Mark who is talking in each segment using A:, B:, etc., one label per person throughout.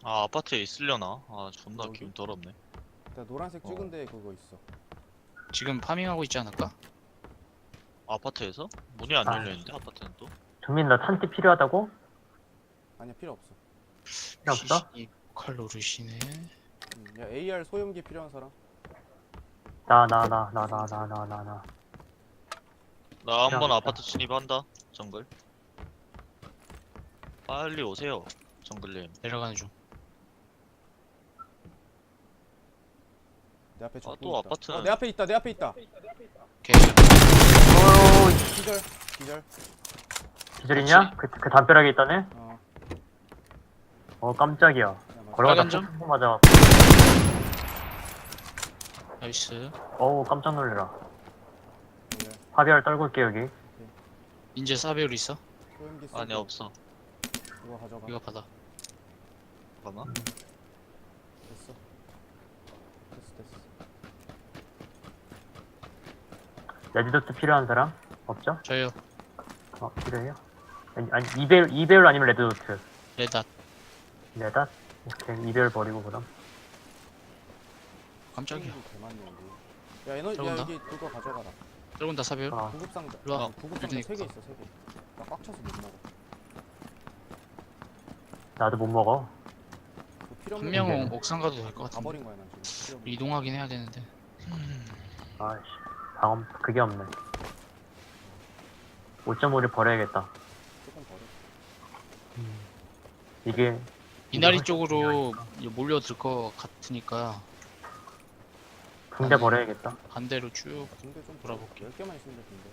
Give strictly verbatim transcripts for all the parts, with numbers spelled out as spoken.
A: 아, 아파트에 있으려나? 아, 존나
B: 여기?
A: 기분 더럽네.
B: 나 노란색
A: 어.
B: 찍은 데 그거 있어.
C: 지금 파밍하고 있지 않을까?
A: 아파트에서? 문이 안
D: 아.
A: 열려있는데, 아파트는 또?
D: 종민 너 탄티 필요하다고?
B: 아니야 필요 없어.
D: 필요 없어?
C: 피씨 칼 노르시네.
B: 음, 야 에이알 소염기 필요한 사람?
D: 나 나 나 나 나 나 나 나 나.
A: 나 한번
D: 필요하겠다.
A: 아파트 진입한다, 정글. 빨리 오세요, 정글님.
C: 내려가는 중.
B: 내 앞에
A: 아,
B: 적군
A: 또
B: 있다.
A: 아파트는-
B: 어, 내 앞에 있다. 내 앞에 있다.
C: 오케이.
D: 오
B: 기절. 기절.
D: 기절이냐? 그, 그 담벼락에 있다네?
B: 어.
D: 어 깜짝이야.
B: 야, 맞아.
D: 걸어가다
C: 빨간 점?
D: 폭풍 맞아.
C: 나이스.
D: 어우 깜짝 놀래라.
B: 그래.
D: 화비알 떨굴게 여기.
C: 인제 사배율 있어?
B: 소염기 쓰고
A: 아니, 없어.
B: 그거 가져가.
C: 이거 받아.
A: 잠깐만.
B: 됐어. 됐어 됐어.
D: 레드도트 필요한 사람? 없죠?
C: 저요.
D: 어 필요해요? 아니, 아니 이배율 이배율 아니면 레드도트.
C: 레닷.
D: 레다? 오케이 이배율 버리고 그럼.
C: 깜짝이야.
B: 소염기 개 많네 여기. 야 에너 야
C: 들어온다.
B: 여기 그거 가져가라.
C: 들어온다 사배율.
D: 어
B: 구급 상자.
C: 일로 와.
B: 어, 구급 상자
C: 빌드니까.
B: 세 개 있어 세 개. 나 꽉 차서 못 나가.
D: 나도 못 먹어.
B: 그 필요
C: 한
B: 없는
C: 명은
B: 거
C: 옥상 가도 될 것
B: 다
C: 같은데.
B: 버린 거야 난 지금. 필요 없는
C: 이동하긴 해야 되는데.
D: 아이씨 방음 그게 없네. 오 점 오를 버려야겠다.
B: 거. 조금 버려.
D: 이게
C: 이나리
D: 훨씬
C: 쪽으로 몰려들 것 같으니까
D: 붕대 버려야겠다.
C: 반대로 쭉.
B: 군대 좀
C: 돌아볼게.
B: 열 개만 있으면 돼 군대.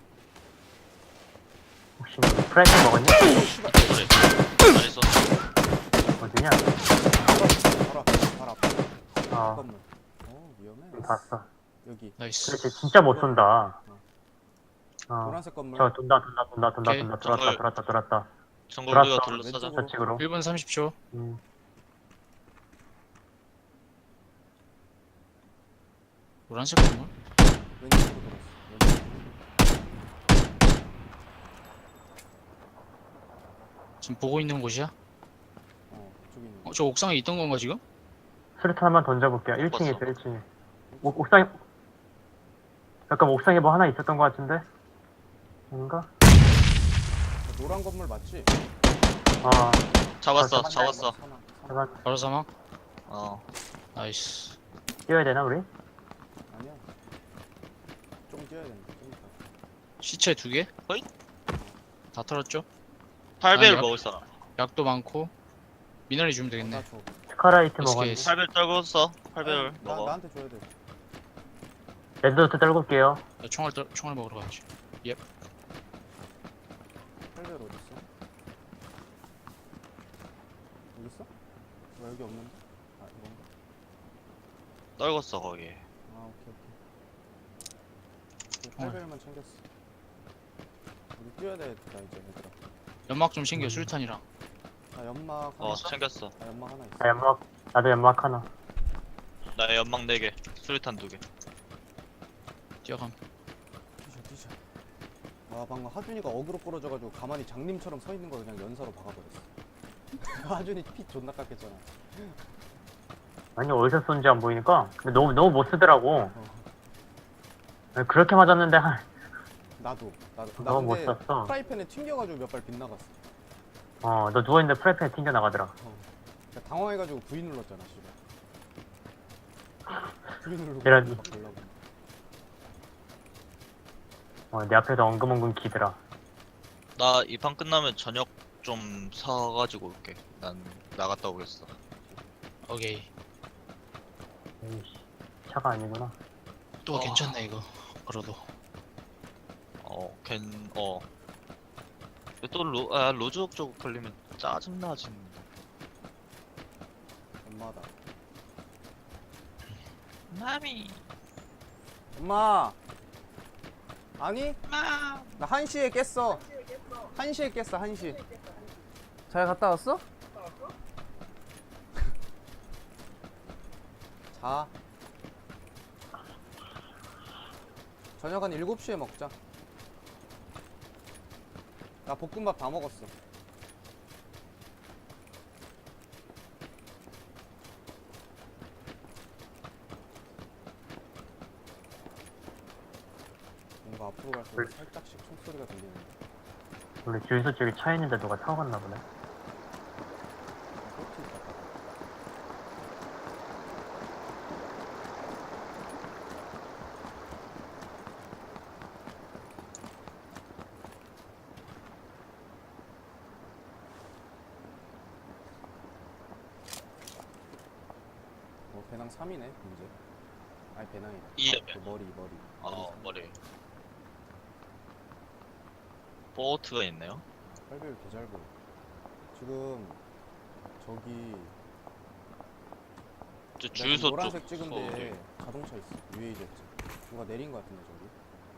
D: 혹시 프라이팬 먹었냐?
A: 그래. 잘했어.
D: 어디냐?
B: 바로 앞에 바로 앞에.
D: 어
B: 건물. 어 위험해.
D: 봤어.
B: 여기
C: 나이스.
D: 그렇지 진짜 못 쏜다. 어.
B: 노란색 건물.
D: 저 돈다 돈다 돈다 돈다
C: 오케이.
D: 돈다 돌았다
A: 저걸-
D: 돌았다 돌았다.
A: 정글
D: 돌았어.
A: 우리가 둘러싸자.
B: 왼쪽으로.
D: 저측으로.
C: 일 분 삼십 초.
D: 음.
C: 노란색 건물?
B: 왼쪽으로 돌았어. 왼쪽.
C: 지금 보고 있는 곳이야?
B: 어 저기 있는.
C: 어, 저 옥상에 있던 건가 지금?
D: 수류탄 한번 던져볼게요. 일 층에 있어
A: 봤어.
D: 일 층에. 옥, 옥상에 잠깐 옥상에 뭐 하나 있었던 것 같은데? 아닌가?
B: 저 노란 건물 맞지?
D: 아
A: 잡았어,
D: 아,
A: 잡았어.
B: 사망, 사망.
D: 잠깐
C: 바로 사망?
A: 어.
C: 나이스.
D: 뛰어야 되나 우리?
B: 아니야. 좀 뛰어야 된다. 좀 이따.
C: 시체 두 개?
A: 어이?
C: 다 털었죠?
A: 팔 배율
C: 아니야.
A: 먹을 사람.
C: 약도 많고 미나리 주면
B: 어,
C: 되겠네.
B: 나 줘.
D: 스카라이트
C: 에스케이.
D: 먹었는데.
A: 팔 배율 떨궜어. 팔 배율
B: 아니, 나,
A: 먹어.
B: 나한테 줘야 돼.
D: 레드도트 떨굴게요.
C: 나 총알 떨, 총알 먹으러 가야지.
B: 팔별 어디 있어? 여기 있어? 왜 여기 없는데? 아 이건가?
A: 떨궜어, 거기.
B: 아 오케이 오케이.
C: 총알.
B: 팔별만 챙겼어. 우리 뛰어야 되겠다 이제 얘들아.
C: 연막 좀 챙겨
D: 음.
C: 수류탄이랑.
B: 나 연막 하나.
A: 어, 챙겼어.
B: 나 연막 하나 있어.
D: 나 연막 나도 연막 하나.
A: 나 연막 네 개. 수류탄 두 개.
C: 뛰어감.
B: 뛰자 뛰자. 와 방금 하준이가 어그로 끌어져가지고 가만히 장님처럼 서 있는 거 그냥 연사로 박아버렸어. 하준이 피 존나 깎였잖아.
D: 아니 어디서 쏜지 안 보이니까. 근데 너무 너무 못 쓰더라고.
B: 어.
D: 그렇게 맞았는데 한
B: 나도 나도 나
D: 너무 못
B: 근데
D: 쐈어.
B: 프라이팬에 튕겨가지고 몇 발 빗나갔어.
D: 어 너 누워 있는데 프라이팬 튕겨 나가더라.
B: 어. 그러니까 당황해가지고 V 눌렀잖아 씨발. V 누르고
D: 이런-
B: 막 걸려고.
D: 어, 내 앞에서 엉금엉금 기더라.
A: 나 이 판 끝나면 저녁 좀 사가지고 올게. 난 나갔다 오겠어.
C: 오케이.
D: 에이씨, 차가 아니구나.
C: 또
A: 어.
C: 괜찮네 이거. 걸어도.
A: 어, 걘, 어. 또 로, 아, 로즈옥 쪽 걸리면 짜증나지.
B: 엄마다.
A: 마미.
B: 엄마. 아니?
A: 마.
B: 나 한 시에 깼어. 한 시에 깼어, 한 시. 잘 갔다 왔어? 자. 저녁 한 일곱 시에 먹자. 나 볶음밥 다 먹었어. 더 앞으로 갈수록 살짝씩 총소리가 들리는데.
D: 우리 주유소 쪽에 차 있는데 누가 타고 갔나 보네.
B: 아, 꽃이 있다. 어, 배낭 삼이네 이제. 아니 배낭이다.
A: 이에
B: 그 머리 머리.
A: 어
B: 삼.
A: 머리. 보트가 있네요.
B: 팔배율 개잘 보여. 지금 저기
A: 저
B: 내가 지금
A: 주유소
B: 노란색
A: 쪽.
B: 찍은
A: 거기.
B: 데에 자동차 있어. 유에이제트. 누가 내린 거 같은데 저기.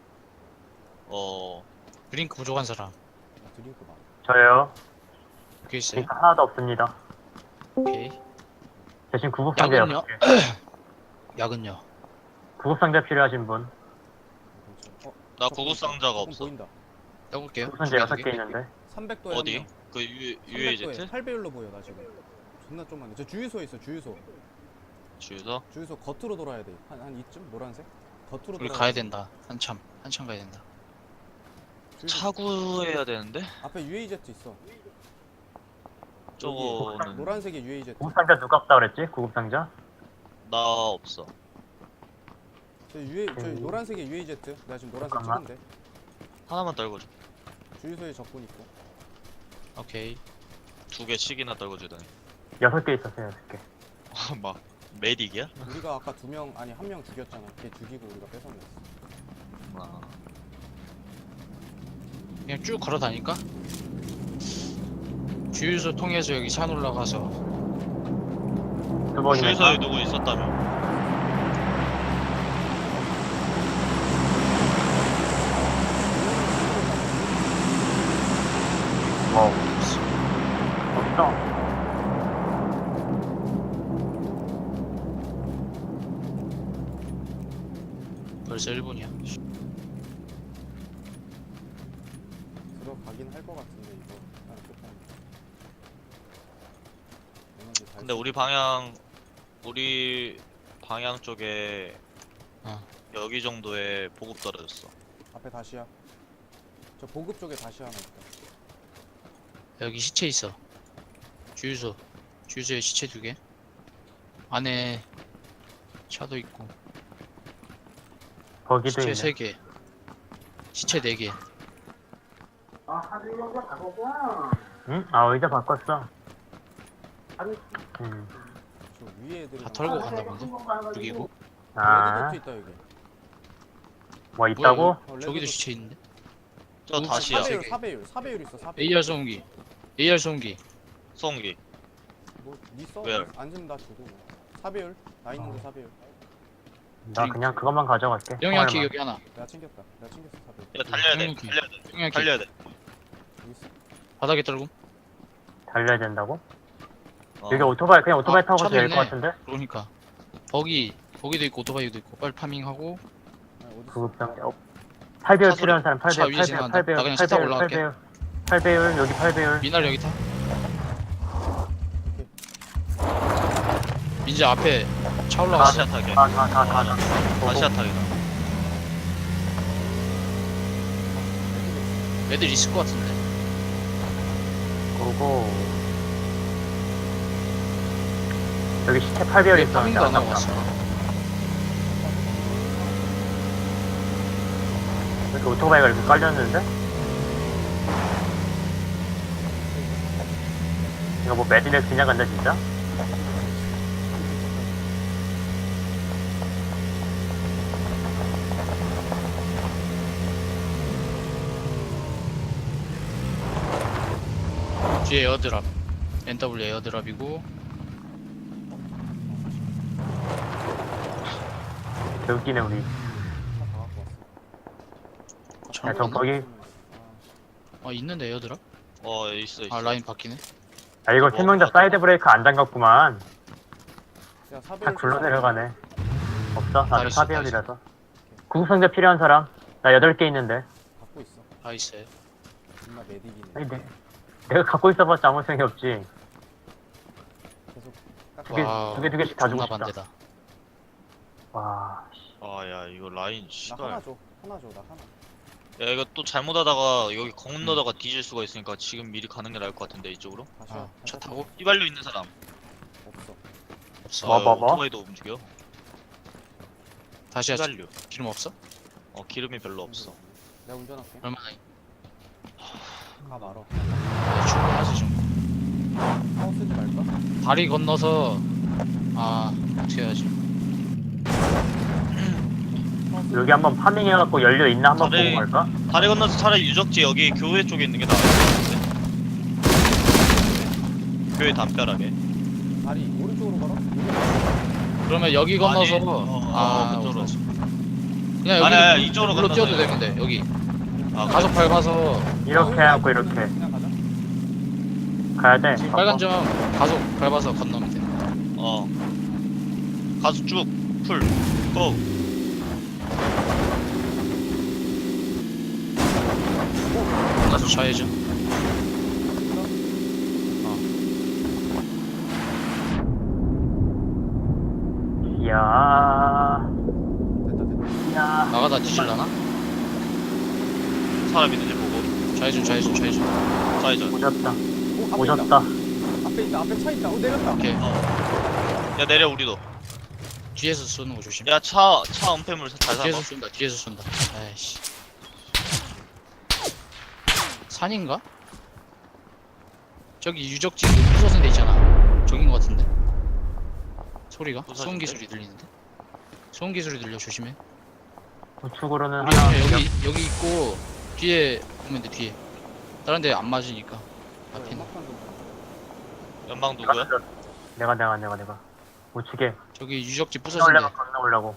A: 어
C: 드링크 부족한 사람.
B: 나 드링크 많아.
D: 저요.
C: 여기 있어요.
D: 그러니까 하나도 없습니다.
C: 오케이.
D: 대신 구급상자
C: 약은요?
D: 여섯 개.
C: 약은요?
D: 구급상자 필요하신 분.
B: 어,
A: 나
B: 저거
A: 구급 상자가
B: 조금
A: 없어.
B: 보인다.
C: 떠볼게요.
D: 구급상자 여섯 개 있는데.
B: 삼백 도에
A: 어디? 그 유 유에이제트
B: 팔 배율로 보여 나 지금. 존나 좀만해. 저 주유소에 있어 주유소.
A: 주유소.
B: 주유소 겉으로 돌아야 돼. 한, 한 이쯤 노란색? 겉으로
C: 우리
B: 돌아야
C: 가야
B: 돼.
C: 된다. 한참. 한참 가야 된다.
B: 주유소
A: 차구해야 되는데
B: 앞에 유에이제트 있어.
A: 저거는
B: 노란색이 유에이제트.
D: 구급상자 누가 없다 그랬지? 구급상자?
A: 나 없어.
B: 저 유에 저
D: 음.
B: 노란색이 유에이제트. 내가 지금 노란색
D: 잠깐만.
B: 찍은데.
A: 하나만 떨궈줘.
B: 주유소에 적군 있고.
C: 오케이.
A: 두 개씩이나 떨궈주다니.
D: 여섯 개 있었어요, 여섯 개.
A: 막 메딕이야?
B: 우리가 아까 두 명 아니 한 명 죽였잖아. 걔 죽이고 우리가 뺏어냈어.
A: 아,
C: 그냥 쭉 걸어 다닐까? 주유소 통해서 여기 산 올라가서
D: 두 번이나.
A: 주유소에 누구 있었다며?
D: 뭐. 없어.
C: 벌써 일 분이야.
B: 들어가긴 할 것 같은데 이거 일단 끝까지. 에너지 다
A: 근데
B: 있어.
A: 우리 방향 우리 방향 쪽에
C: 어.
A: 여기 정도에 보급 떨어졌어.
B: 앞에 다시야. 저 보급 쪽에 다시 하나 있다.
C: 여기 시체 있어. 주유소. 주유소에 시체 두 개. 안에 차도 있고.
D: 거기도
C: 시체
D: 있네.
C: 세 개. 시체 네 개.
D: 응? 아, 의자 바꿨어. 음.
B: 저 위에 애들이
C: 다 털고 갔나 본데? 죽이고.
D: 아,
B: 레드도트 있다 여기.
D: 뭐 있다고?
B: 어,
C: 저기도
B: 레드도트.
C: 시체 있는데?
A: 저
C: 우-
A: 다시야.
C: 세
B: 사 배율
C: 개.
B: 사 배율 사 배율 있어 사 배율.
C: 에이알 소음기. 에이알 소음기.
A: 송기.
B: 뭐니 써?
A: Where?
B: 앉으면 나 주고. 사 배율. 나 있는데 사 배율.
D: 나 그냥 그것만 가져갈게.
C: 영양키
D: 총알만.
C: 여기 하나.
B: 내가 챙겼다. 내가 챙겼어 사 배율.
A: 야 달려야 돼.
C: 형님,
A: 달려야 돼.
C: 영양키.
A: 달려야 돼.
B: 여기 있어.
C: 바닥에 떨고.
D: 달려야 된다고?
A: 어.
D: 여기 오토바이, 그냥 오토바이
C: 아,
D: 타고
C: 차도
D: 가도 될 것
C: 있네.
D: 같은데?
C: 그러니까. 거기 거기도 있고 오토바이도 있고 빨리 파밍하고.
B: 아니, 어디 있어?
D: 구급상자. 어. 팔 배율
A: 차소리-
D: 필요한 사람 팔
C: 차
D: 배율,
C: 위에
D: 팔 배율,
C: 지나간다.
D: 팔 배율,
C: 나 그냥
D: 팔
C: 차 타고
D: 배율, 팔
C: 올라갈게.
D: 배율. 팔 배율, 여기 팔 배율.
C: 미나리 여기 타. 민재 앞에 차 올라갔어.
A: 다시야 타게.
D: 다, 다, 다, 다, 다.
A: 다시야 타게다.
C: 애들 있을 것 같은데.
D: 오고. 여기 시체 팔 배율
C: 왜
D: 있어.
C: 파밍도 안 하고 왔어?
D: 이렇게 오토바이가 이렇게 깔렸는데? 이거 뭐 매진에 그냥 간다 진짜?
C: 뒤에 에어드랍. 엔더블유 에어드랍이고.
D: 개 웃기네 우리.
B: 차다 갖고 왔어.
C: 잘
D: 야, 저
C: 모르겠네.
D: 거기.
C: 아 있는데 에어드랍?
A: 어 있어 있어.
C: 아 라인 바뀌네.
D: 아 이거
A: 뭐,
D: 세 명 다 사이드 브레이크 안 잠갔구만.
B: 야, 사
D: 다
B: 배율
D: 굴러
B: 좀
D: 내려가네. 없어?
C: 다
D: 나도
C: 있어,
D: 사 배율이라서. 구급상자 필요한 사람? 나 여덟 개 있는데.
B: 갖고 있어.
C: 아 있어요.
B: 존나 메딕이네.
D: 아니, 내, 내가 갖고 있어봤자 아무 소용이 없지.
B: 계속 깎아.
D: 두 개,
C: 와우,
D: 두 개, 두 개씩 다 주고
C: 존나
D: 싶다.
C: 반대다.
D: 와, 씨.
A: 아야 이거 라인
B: 나
A: 씨발.
B: 하나 줘. 하나 줘. 나 하나.
A: 야 이거 또 잘못하다가 여기 건너다가 뒤질 수가 있으니까 지금 미리 가는 게 나을 것 같은데 이쪽으로.
B: 다시
C: 아,
B: 와.
C: 차
B: 다시
C: 타고?
A: 휘발유 있는 사람.
B: 없어.
C: 없어.
D: 뭐, 뭐, 뭐?
A: 오토바이도 움직여.
C: 다시 하자.
A: 휘발유.
C: 기름 없어?
A: 어 기름이 별로 없어.
B: 내가 운전할게.
C: 얼마나?
B: 가 말어.
C: 네, 충분하지 지금.
B: 파워 쓰지 말까?
C: 다리 건너서 아 어떻게 해야지?
D: 여기 한번 파밍해갖고 연료 있나 한번
A: 다리-
D: 보고 갈까?
A: 다리 건너서 차라리 유적지 여기 교회 쪽에 있는 게 나을 것 같은데. 교회 담벼락에.
B: 다리 오른쪽으로 걸어?
C: 그러면 여기 건너서
A: 아니, 어, 어,
C: 아
A: 그쪽으로.
C: 어떡하지? 그냥 여기
A: 아니, 아니, 이쪽으로
C: 물로
A: 건너서
C: 뛰어도 되는데 여기
A: 아
C: 가속 밟아서
D: 이렇게 해갖고 이렇게
B: 그냥 가자.
D: 가야 돼.
C: 지금
D: 바꿔.
C: 빨간 점 가속 밟아서 건너면 돼.
A: 어. 가수 쭉 풀. 고.
C: 가속 좌회전.
D: 이야,
B: 됐다 됐다.
D: 이야.
C: 나가다 뒤질라나?
A: 사람 있는지 보고.
C: 좌회전 좌회전 좌회전.
A: 좌회전.
D: 오졌다.
B: 오 앞에
D: 오졌다.
B: 있다. 앞에 있다. 앞에 차 있다. 오 내렸다.
C: 오케이.
A: 어. 야 내려 우리도.
C: 뒤에서 쏘는 거 조심.
A: 야 차 차 은폐물 잘 잡아.
C: 뒤에서 쏜다. 뒤에서 쏜다. 아이씨. 산인가? 저기 유적지 그 부서진 데 있잖아. 저긴 거 같은데. 소리가?
A: 부서진
C: 소음기
A: 데?
C: 소리 들리는데. 소음기 소리 들려 조심해.
D: 우측으로는
C: 우리
D: 하나.
C: 그냥 여기 여기 있고 뒤에 보면 돼 뒤에. 다른 데 안 맞으니까. 앞에 있는.
B: 연막탄 좀.
A: 연방
D: 내가,
A: 누구야?
D: 내가 내가 내가 내가 우측에
C: 저기 유적지 부서진 데.
D: 건너오려고 건너오려고.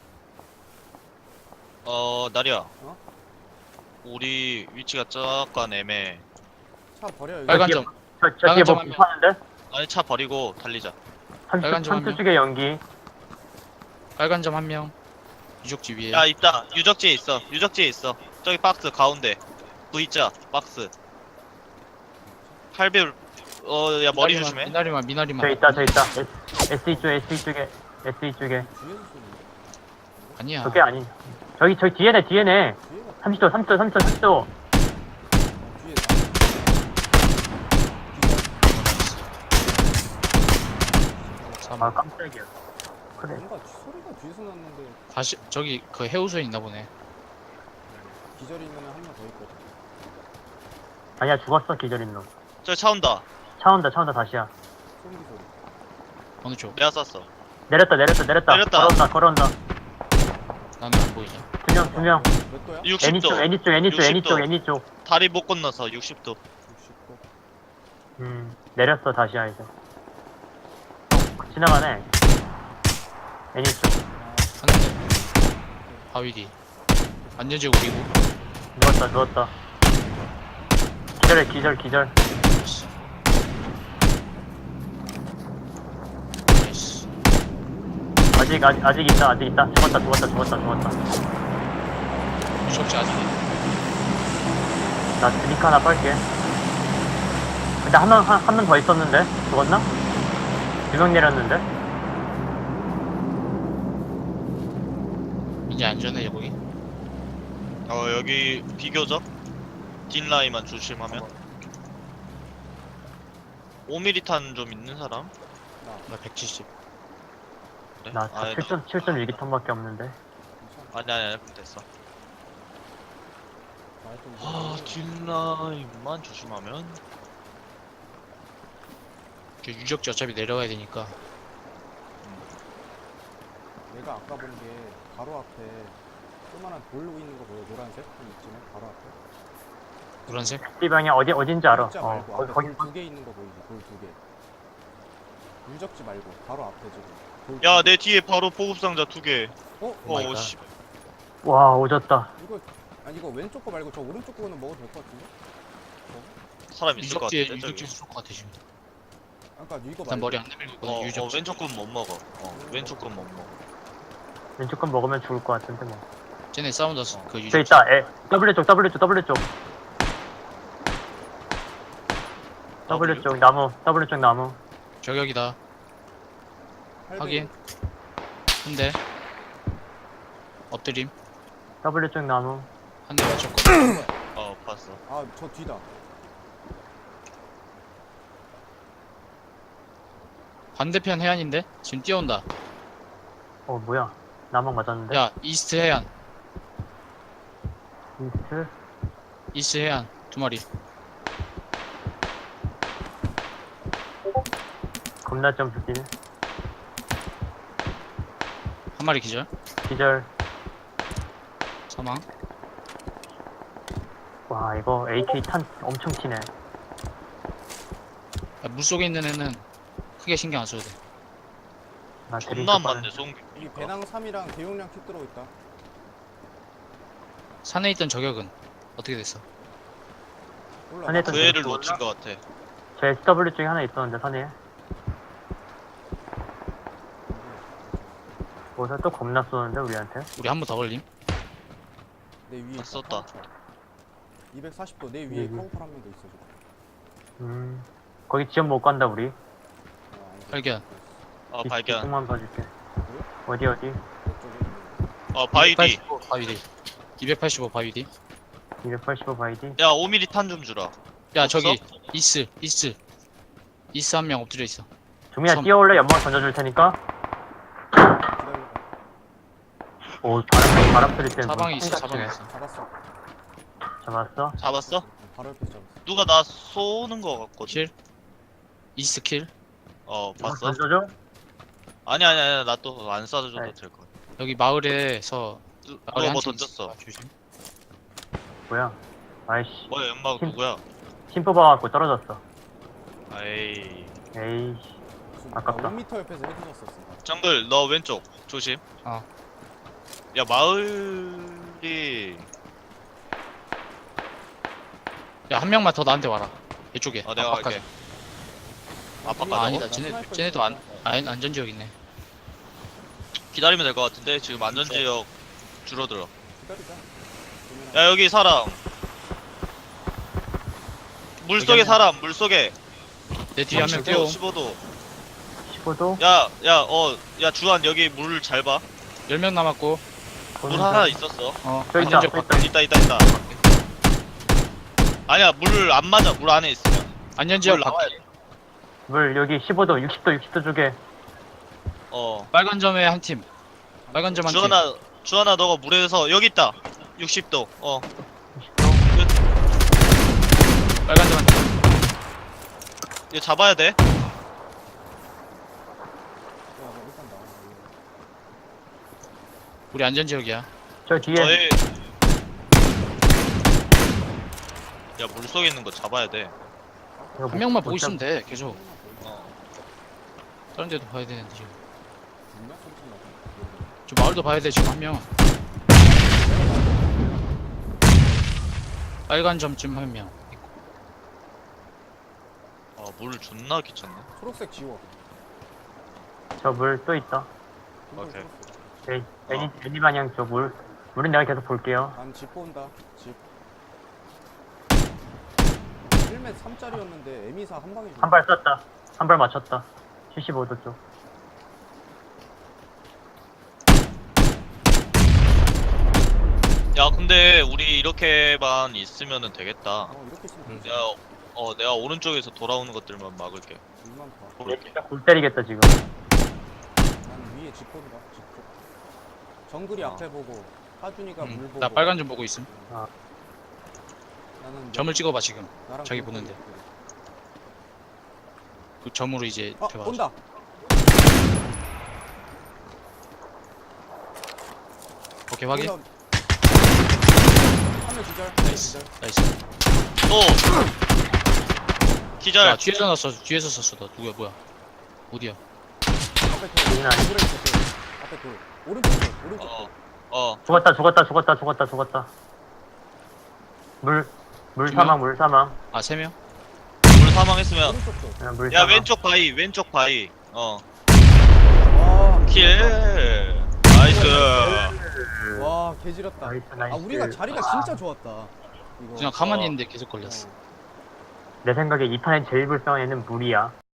A: 어 나리야.
B: 어?
A: 우리 위치가 약간 애매해.
B: 차 버려 여기.
C: 빨간
D: 뒤에-
C: 점.
D: 저, 저
C: 빨간
D: 뒤에 뭐
C: 점 하면-
D: 불파는데?
A: 아니 차 버리고 달리자.
C: 빨간
D: 삼
C: 점
D: 삼 초
C: 하면-
D: 쪽에 연기.
C: 빨간 점 한 명. 유적지 위에.
A: 야 있다. 유적지에 있어. 유적지에 있어. 저기 박스 가운데. V자 박스. 팔 배율. 어야 머리
C: 미나리만,
A: 조심해.
C: 미나리만 미나리만.
D: 저 있다 저 있다. S, 에스이 쪽에 에스이 쪽에 에스이 쪽에.
B: 뒤에서 쏘는
C: 아니야.
D: 저게 아니. 저기 저기 뒤에네 뒤에네.
B: 거. 뒤에가
D: 삼십 도 삼십 도 삼십 도 삼십 도.
B: 어, 뒤에
D: 아 깜짝이야. 그래.
B: 뭔가 소리가 뒤에서 났는데
C: 다시 저기 그 해우소에 있나 보네.
B: 기절이면 한 명 더 있거든.
D: 아니야 죽었어 기절인 놈.
A: 저기 차 온다.
D: 차 온다 차 온다 다시야.
B: 소음기 소리.
C: 어느 쪽?
A: 내가 쐈어.
D: 내렸다 내렸다 내렸다.
A: 내렸다.
D: 걸어온다 걸어온다.
C: 나는 안 보이지.
D: 두 명 두 명.
B: 몇 도야?
D: 애니
A: 육십 도.
D: 쪽 애니 쪽 애니 쪽 애니
A: 육십 도.
D: 쪽 애니 쪽.
A: 다리 못 건너서 육십 도.
B: 육십 도.
D: 음 내렸어 다시야 이제. 지나가네. 애니 쪽.
C: 하는데. 바위 뒤. 완전 지고 그리고.
D: 누웠다 누웠다. 기절해 기절 기절.
C: 나이스. 나이스.
D: 아직 아직 아직 있다 아직 있다. 죽었다 죽었다 죽었다 죽었다.
C: 유적지 아직.
D: 나 드링크 하나 빨게. 근데 한 명 한 명 더 있었는데 죽었나? 두 명 내렸는데.
C: 이제 안전해 거기.
A: 어 여기 비교적 딘라인만 조심하면. 오 밀리미터 탄 좀 있는 사람?
C: 나 백칠십.
A: 그래?
D: 나
A: 아니,
D: 칠 점 칠 점 일 기 턴밖에 없는데.
A: 아니 아니 아니 됐어. 아 딘라인만 조심하면.
C: 그 유적지 어차피 내려가야 되니까.
B: 내가 아까 본 게 바로 앞에 조그만한 돌 있는 거 보여? 노란색? 좀 있지만 바로 앞에.
C: 노란색?
D: 이 방향 어디 어딘지 알아.
B: 진짜
D: 어
B: 말고
D: 거기
B: 앞에
D: 거기
B: 돌 두 개 있는 거 보이지? 돌 두 개. 유적지 말고 바로 앞에 지금. 돌
A: 야
B: 두 개.
A: 내 뒤에 바로 보급 상자 두 개.
B: 어?
C: 오 마이
A: 어
C: 갓.
A: 씨.
D: 와 오졌다.
B: 이거 아니 이거 왼쪽 거 말고 저 오른쪽 거는 먹어도 될 것 같은데?
A: 사람 있을 것
C: 유적지에
A: 같은데 저기.
C: 유적지 쏠것 같아 지금.
B: 아까 이거
C: 일단
B: 말고
C: 머리 안 내밀고 있거든.
A: 어, 어
C: 유적지.
A: 왼쪽 건 못 먹어. 어 왼쪽 건 못 먹어.
D: 왼쪽 건 먹으면 죽을 것 같은데 뭐.
C: 쟤네 싸운다. 그
D: 저
C: 유적지.
D: 있다. 에 W 쪽 W 쪽 W 쪽 W 쪽 나무 W 쪽 나무.
C: 저격이다.
B: 팔
C: 확인. 근데 엎드림.
D: W 쪽 나무.
C: 한 대 맞췄거든.
A: 어 봤어.
B: 아 저 뒤다.
C: 반대편 해안인데? 지금 뛰어온다.
D: 어 뭐야? 나만 맞았는데?
C: 야, 이스트 해안.
D: 이스트?
C: 이스트 해안. 두 마리.
D: 겁나 점프길.
C: 한 마리 기절.
D: 기절.
C: 사망.
D: 와 이거 에이케이 탄 엄청 치네.
C: 야, 물속에 있는 애는 크게 신경 안 써도 돼.
D: 나
A: 존나 안
D: 드링크
A: 맞네 송비.
B: 여기 배낭 삼이랑 대용량 킥 들어오 있다.
C: 산에 있던 저격은 어떻게 됐어?
B: 올라.
D: 산에
A: 그
D: 있던
A: 애를
D: 저기
A: 놓친 것 같아.
D: 제 에스더블유 쪽에 하나 있었는데 산에. 뭐서 또 겁나 쏘는데 우리한테?
C: 우리 한 번 더 걸림?
B: 내 위에
A: 아, 썼다.
B: 이백사십 도 내 위에
D: 여기.
B: 카우팔 한 명 더 있어 지금.
D: 음 거기 지원 못 간다 우리.
B: 어, 안 돼.
C: 발견.
A: 어 발견.
D: 조금만 봐줄게. 어디 어디?
B: 이쪽에 있는
A: 어 바위 뒤.
C: 이백팔십오 바위 뒤. 이백팔십오 바위 뒤.
D: 이백팔십오 바이디.
A: 야 오 밀리미터 탄 좀 주라.
C: 야,
A: 없어?
C: 저기 이스, 이스. 이스 한 명 엎드려 있어.
D: 종민아
C: 섬.
D: 뛰어올래? 연막 던져줄 테니까.
B: 기다려봐.
D: 오 바람 바람 소리 때문에.
C: 사방에 있어,
D: 생각
C: 사방에
D: 치네.
C: 있어.
B: 잡았어.
D: 잡았어?
A: 잡았어?
B: 바로 옆에 잡았어.
A: 누가 나 쏘는 거 같거든.
C: 킬. 이스 킬.
A: 어
D: 연막
A: 봤어?
D: 던져줘?
A: 아니 아니 아니 나 또 안 쏴줘도
D: 네.
A: 될 것 같아.
C: 여기 마을에서
A: 누-
C: 마을에
A: 누가 뭐
C: 한팀
A: 던졌어?
C: 아, 조심.
D: 뭐야? 아이씨.
A: 뭐야 연막
D: 팀-
A: 누구야?
D: 힘 뽑아갖고 떨어졌어.
A: 에이.
D: 에이씨.
B: 지금
D: 아깝다.
B: 나 오 미터 옆에서 헤드 졌었어.
A: 정글 너 왼쪽 조심.
C: 어.
A: 야 마을이
C: 야, 한 명만 더 나한테 와라. 이쪽에.
A: 어 내가 갈게. 아빠
C: 아,
A: 가자고?
C: 아니다. 쟤네, 쟤네도 안, 아, 안전지역 있네.
A: 기다리면 될 것 같은데 지금 안전지역 줄어들어.
B: 기다리자. 그러면
A: 야 여기 사람. 물 속에
C: 여기 한
A: 사람 물 속에.
C: 내 뒤에 한 명 뛰어.
A: 십오 도.
D: 십오 도?
A: 야, 야, 어, 야, 주한 여기 물 잘 봐.
C: 열 명 남았고.
A: 물 하나 있었어.
C: 어,
D: 저 있다,
C: 안전지역
D: 저
C: 밖에.
A: 있다, 있다, 있다. 아니야, 물 안 맞아. 물 안에 있으면.
C: 안전지역
A: 물 나와야
C: 밖에.
A: 돼.
D: 물 여기 십오 도, 육십 도, 육십 도 쪽에.
A: 어.
C: 빨간 점에 한 팀. 빨간 점 한 팀.
A: 주한아, 주한아, 너가 물에서 여기 있다. 육십 도. 어.
D: 육십 도.
C: 빨간 점 한 팀.
A: 이거 잡아야 돼.
B: 야, 너 일단 나와.
C: 우리 안전지역이야.
D: 저 뒤에.
A: 너의. 야, 물 속에 있는 거 잡아야 돼.
D: 이거
C: 한
D: 못-
C: 명만
D: 못
C: 보고 있으면
D: 잡-
C: 돼. 계속.
A: 어.
C: 다른 데도 봐야 되는데 지금.
B: 죽나? 소리쳐 나서.
C: 저 마을도 봐야 돼 지금 한 명. 빨간 점쯤 한 명.
A: 아, 물 존나 귀찮네.
B: 초록색 지워.
D: 저 물 또 있다.
A: 오케이.
D: 네, 애니, 애니 방향 쪽 물. 물은 내가 계속 볼게요.
B: 난집 본다. 집. 일 맷 삼 짜리였는데 에미사 한 방에
D: 한 발 쐈다. 한 발 맞췄다. 칠십오 도 쪽.
A: 야, 근데 우리 이렇게만 있으면은 되겠다.
B: 어 이렇게 있으면
C: 음.
B: 되지.
A: 내가, 어, 내가 오른쪽에서 돌아오는 것들만 막을게.
B: 물만 봐.
A: 볼게.
D: 진짜 골 때리겠다 지금.
B: 난 위에 집 본다. 집 쪽. 정글이
A: 어.
B: 앞에 보고 하준이가 물
C: 음,
B: 보고.
C: 나 빨간 점 보고 있음.
B: 나는
C: 점을 찍어봐 지금.
B: 나랑
C: 자기
B: 그-
C: 보는데. 그 점으로 이제
B: 아
C: 대화.
B: 온다.
C: 오케이 확인.
B: 한명 기절.
C: 나이스.
B: 기절.
C: 나이스.
A: 또! 기절!
C: 야 뒤에서 났어. 뒤에서 썼어. 너 누구야 뭐야? 어디야?
B: 앞에 돌.
D: 여기는 아니-
B: 돌에 있어. 돌. 앞에 돌. 오른쪽 돌. 오른쪽.
A: 어, 어.
D: 죽었다, 죽었다, 죽었다, 죽었다, 죽었다. 물, 물
C: 두 명?
D: 사망, 물 사망.
C: 아 세 명?
A: 물 사망했으면.
B: 오른쪽 돌.
D: 야, 물
A: 야,
D: 사망.
A: 왼쪽 바위, 왼쪽 바위. 어.
B: 와.
A: 킬! 나이스!
B: 와 개지렸다.
D: 나이스, 나이스.
B: 아 우리가 자리가 진짜 좋았다. 이거.
C: 그냥 가만히
A: 어.
C: 있는데 계속 걸렸어.
B: 어.
D: 내 생각에 이 판에 제일 불쌍한 애는 물이야.